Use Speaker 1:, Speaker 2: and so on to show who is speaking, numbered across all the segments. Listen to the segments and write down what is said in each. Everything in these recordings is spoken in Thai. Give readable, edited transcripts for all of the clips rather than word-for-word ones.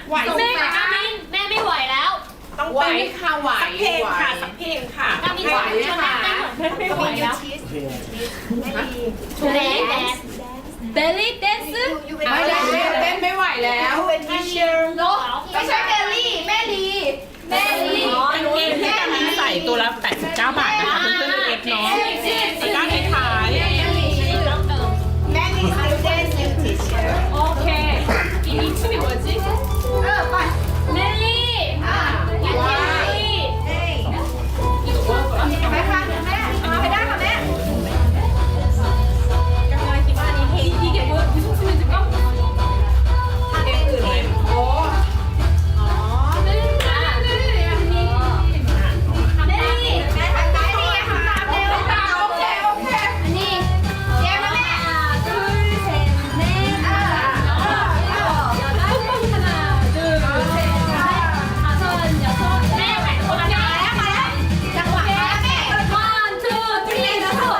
Speaker 1: ไหวแม่แม่ไม่ไหวแล้วต้องไหวค่ะไหวเพลงค่ะสักเพลงค่ะไม่ไหวค่ะไม่ไหวแล้วเบลลี่แดนซ์ไม่ได้เต้นไม่ไหวแล้วเป็นทีเชอร์ไม่ใช่เบลลี่แม่ลีกางเกงที่กำลังใส่ตัวละ89 บาทนะคะเพื่อนๆเอฟเนาะก้านท้ายแม่ลีสเตนซ์ทีเชอร์โอเค이 춤이 뭐지? 멜리ไปค่ะแม่ไปได้ค่ะแม่กำลังคิดว่านี่이게 무슨 춤인지 까?เพลงอื่นไหมโอ้เมลี่แม่ไปนี่ทำตามเร็วโอเคอันนี้เจ๊มาแม่둘 셋넷แม่แข่งคนละมาแล้วจังหวะแม่1 2 3แล้วก็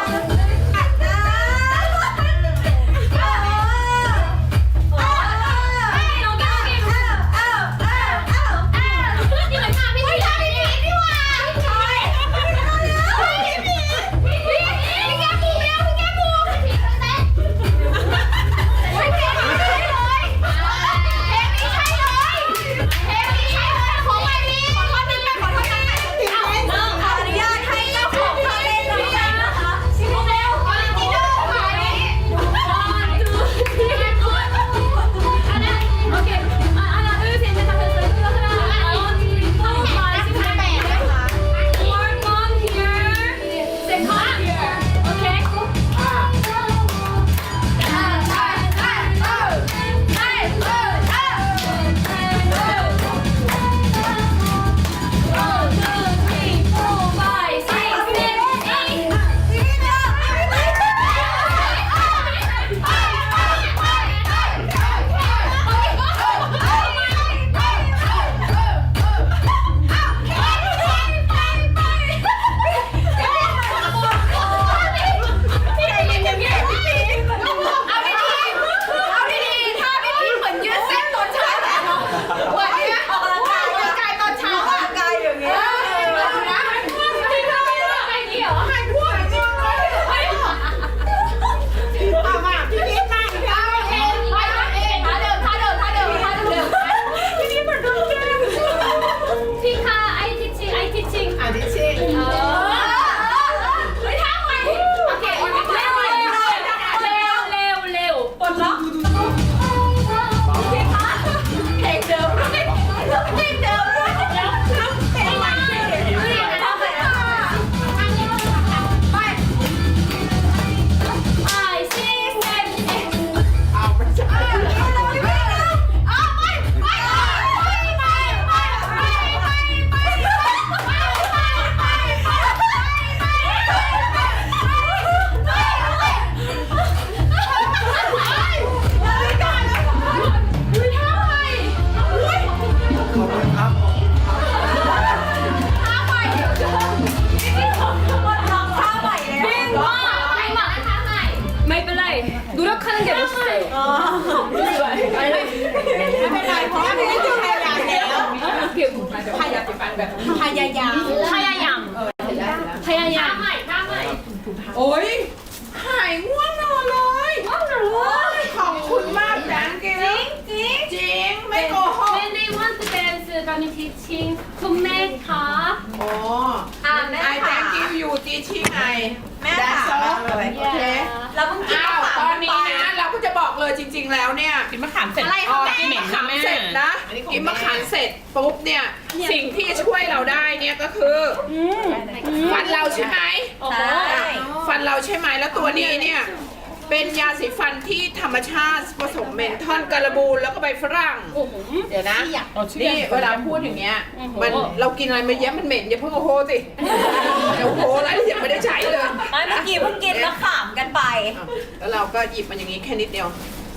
Speaker 1: โอ้ยหายง่วงนอนเลยขอบคุณมากจังจริงไม่โกหก
Speaker 2: When they want to dance, I'm teaching คุณแม่คะ
Speaker 1: โอ้แม่ I thank you you teaching ไงแม่ค่ะโอเคเราเพิ่งกินตอนนี้นะเราก็จะบอกเลยจริงๆแล้วเนี่ยกินมะขามเสร็จกินมะขามเสร็จนะกินมะขามเสร็จปุ๊บเนี่ยสิ่งที่ช่วยเราได้เนี่ยก็คือฟันเราใช่ไหมฟันเราใช่ไหมแล้วตัวนี้เนี่ยเป็นยาสีฟันที่ธรรมชาติผสมเมนทอลการบูนแล้วก็ใบฝรั่งเดี๋ยวนะนี่เวลาพูดอย่างเงี้ยมันเรากินอะไรมาเยอะมันเหม็นอย่าเพิ่งโอ้โหสิเดี๋ยวโอ้โหแล้วยังไม่ได้ใช้เลย
Speaker 3: ไม่เมื่อกี้เพิ่งกินมะขามกันไป
Speaker 1: แล้วเราก็หยิบมันอย่างนี้แค่นิดเดียว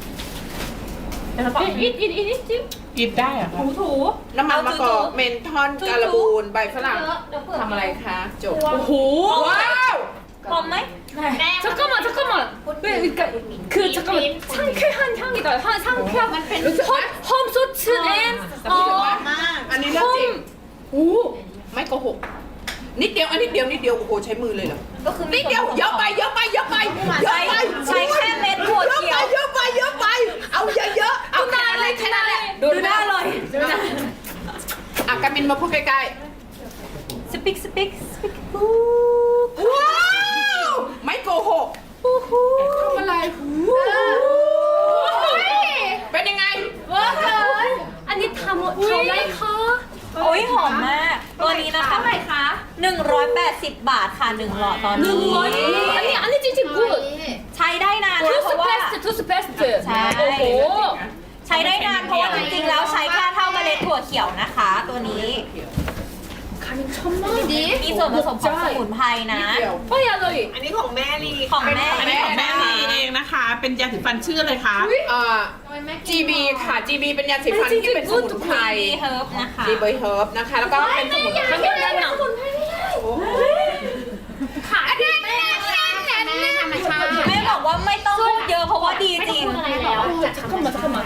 Speaker 4: กินได้อะคะ
Speaker 2: ถู
Speaker 1: น้ำมันมะกอกเมนทอนการบูนใบฝรั่งทำอะไรคะจบ
Speaker 2: โอ้โห
Speaker 1: ว้าว
Speaker 3: พอมไหม
Speaker 2: 잠깐만 왜 그러니까 그 잠깐만 상쾌한 향이다 상쾌한 홈소츠 앤
Speaker 1: อู้ไม่โกหกนิดเดียวอันนิดเดียวนิดเดียวโอ้โหใช้มือเลยเหรอ
Speaker 3: ก็คือ
Speaker 1: นิดเดียวเยอะไปเยอะไปเยอะไปเยอะไป
Speaker 3: ใช้แค่เม็ดถั่วเขียว
Speaker 1: เยอะไปเยอะไปเอาเยอะๆเอาแค่นั้นเลยแค่นั้นแหละ
Speaker 3: ดูหน้าเลย
Speaker 1: อ่ะกามินมาพูดใกล้
Speaker 3: สปิกสปิกสปิก
Speaker 1: ๆว้าวไม่โกหกทำอะไรเป็นยังไง
Speaker 2: 와 아니 다 뭐 다 라이카
Speaker 3: โอ้ยหอมมาก ตัวนี้นะคะเท่าไหร่คะ180 บาทค่ะ1หลอดตอนนี้
Speaker 2: 아니 찡찡 굿
Speaker 3: ใช้ได้นานนะเพราะว่า
Speaker 2: 투스 페스트
Speaker 3: 자.
Speaker 2: 오호
Speaker 3: ใช้ได้นานเพราะว่าจริงๆแล้วใช้แค่เท่าเมล็ดถั่วเขียวนะคะ ตัวนี้ มีส่วนผสมของสมุนไพรนะ
Speaker 1: เดี๋ยว
Speaker 2: 어이 알로이
Speaker 5: อันนี้ของแม่ลี
Speaker 3: ของแม่
Speaker 4: อันนี้ของแม่ลีเองนะคะ เป็นยาสีฟันชื่ออะไรคะ
Speaker 1: GB ค่ะ GB เป็นยาสีฟันที่เป็นสมุนไพร
Speaker 3: ดีเฮิร์บนะคะ
Speaker 1: GB Herb นะคะ แล้วก็เป็นสมุนไพร
Speaker 2: 한개 나
Speaker 3: แม่บอกว่าไม่ต้องพูดเยอะเพราะว่าดีจริง
Speaker 2: 잠깐만 잠깐만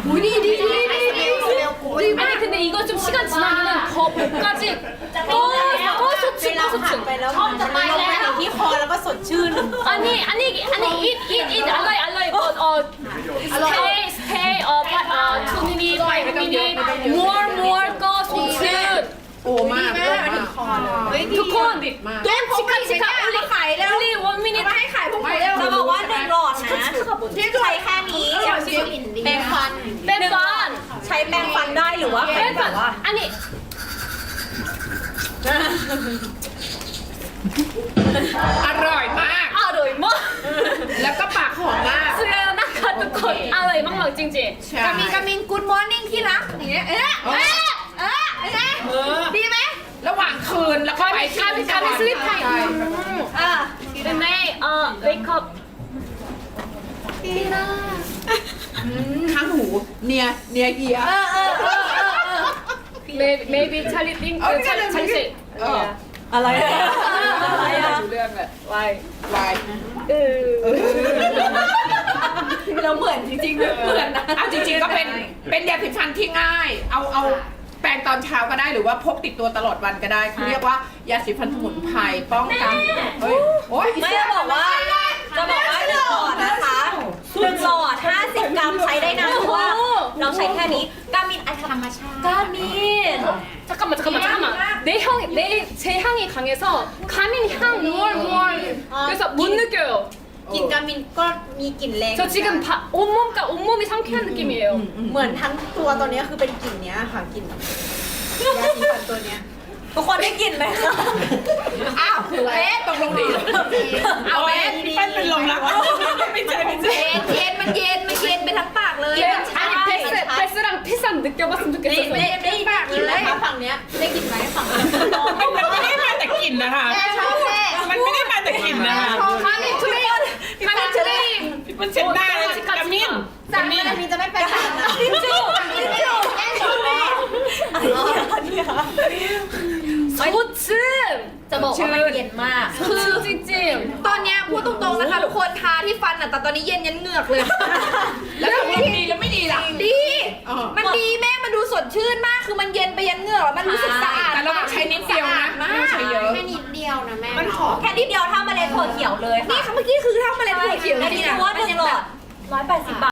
Speaker 2: 아니 근데 이거 좀 시간 지나면은 더 목까지 꺼소층 꺼소층
Speaker 3: ไปแล้วมันจะไปแล้วที่คอแล้วก็สดชื่น
Speaker 2: 아니 eat 알로이 알로이 but stay 2 minute 5 minute more 꺼소층
Speaker 1: โอ้มากโอ้มาก
Speaker 2: ทุกคน
Speaker 1: ต้องชิคาชิคา
Speaker 3: มาขายแล้ว
Speaker 2: only 1 minute
Speaker 1: ให้ขายพวกเราเร็ว
Speaker 3: จะบอกว่า1หลอดนะใช้แค่นี้แปรงฟัน
Speaker 2: 뺀반
Speaker 3: ใช้แปรงฟันได้หรือว่าเป็นแบบว่า
Speaker 2: 아니
Speaker 1: อร่อยมาก
Speaker 2: อร่อยมาก
Speaker 1: แล้วก็ปากหอมมาก
Speaker 2: เสื้อนะคะทุกคนอร่อยมากๆจริง
Speaker 1: ใช่
Speaker 3: กามินกูดมอร์นิ่งที่รักอย่างเงี้ยดีไหม
Speaker 1: ระหว่างคืนแล้วก็ไปที่
Speaker 2: ๆ가민 슬립 타임 แต่ไม่wake up
Speaker 1: ข้างหูเนียเกีย
Speaker 2: maybe 찰리 띵 찰리 씨
Speaker 3: อะไรอะไรอะ
Speaker 1: เรื่องแหละ
Speaker 2: why
Speaker 1: วาย
Speaker 3: เราเหมือนจริงๆเหมือนนะ
Speaker 1: เอาจริงๆก็เป็นยาสีฟันที่ง่าย เอาแปรงตอนเช้าก็ได้หรือว่าพกติดตัวตลอดวันก็ได้เขาเรียกว่ายาสีฟันสมุนไพรป้องกันเฮ้ยโอ้ย
Speaker 3: ไม่จะบอกว่า1หลอดนะคะ1หลอด50 กรัมใช้ได้นานเพราะว่าเราใช้แค่นี้กามินอันธรรมชาติกามิน
Speaker 2: 잠깐만 제 향이 강해서 가민 향 more 그래서 못 느껴요
Speaker 3: กลิ่นกามินก็มีกลิ่นแรง
Speaker 2: 저 지금 온몸이 상쾌한 느낌이에요
Speaker 5: เหมือนทั้งตัวตอนนี้คือเป็นกลิ่นเนี้ยค่ะกลิ่นยาสีฟันตัวเนี้ย
Speaker 3: ทุกคนได้กลิ่นไหมคะ
Speaker 1: อ้าวตกลงดีเอาเบส
Speaker 4: เป็นลมแล้วไม่ใช่
Speaker 3: เย็นมันเย็นไปทั้งปากเลย
Speaker 2: 아니 베스랑 피스 느껴봤으면 좋겠어서
Speaker 3: ได้ปากเลยฝั่งเนี้ยได้กลิ่นไหมฝั่งนี้
Speaker 4: มันไม่ได้มาแต่กลิ่นนะคะ มันไม่ได้มาแต่กลิ่นนะคะ
Speaker 2: 가민 트레임
Speaker 4: มันเช็ดได้เลยกามิน
Speaker 5: จากนี้มีจะไม่เป็นแบบนั้น
Speaker 3: ทิชชู่
Speaker 2: 소츠
Speaker 3: จะบอกว่ามันเย็นมาก
Speaker 2: 소츠 찡찡
Speaker 3: ตอนเนี้ยพูดตรงๆนะคะทุกคนทาที่ฟันอ่ะแต่ตอนนี้เย็นยันเหงือกเลย
Speaker 1: แล้วตกลงดีแล้วไม่ดีล่ะ
Speaker 3: ดี มันดีแม่มันดูสดชื่นมากคือมันเย็นไปยันเหงือกแล้วมันรู้สึกสะอาด
Speaker 1: แต่เราต้องใช้นิดเดียวนะไม่ต้องใช้เยอะ
Speaker 5: แค่นิดเดียวนะแม่
Speaker 3: มันหอมแค่นิดเดียวเท่าเมล็ดถั่วเขียวเลยค่ะนี่เมื่อกี้คือเท่าเมล็ดถั่วเขียวจริงๆว่า1หลอด180 บาท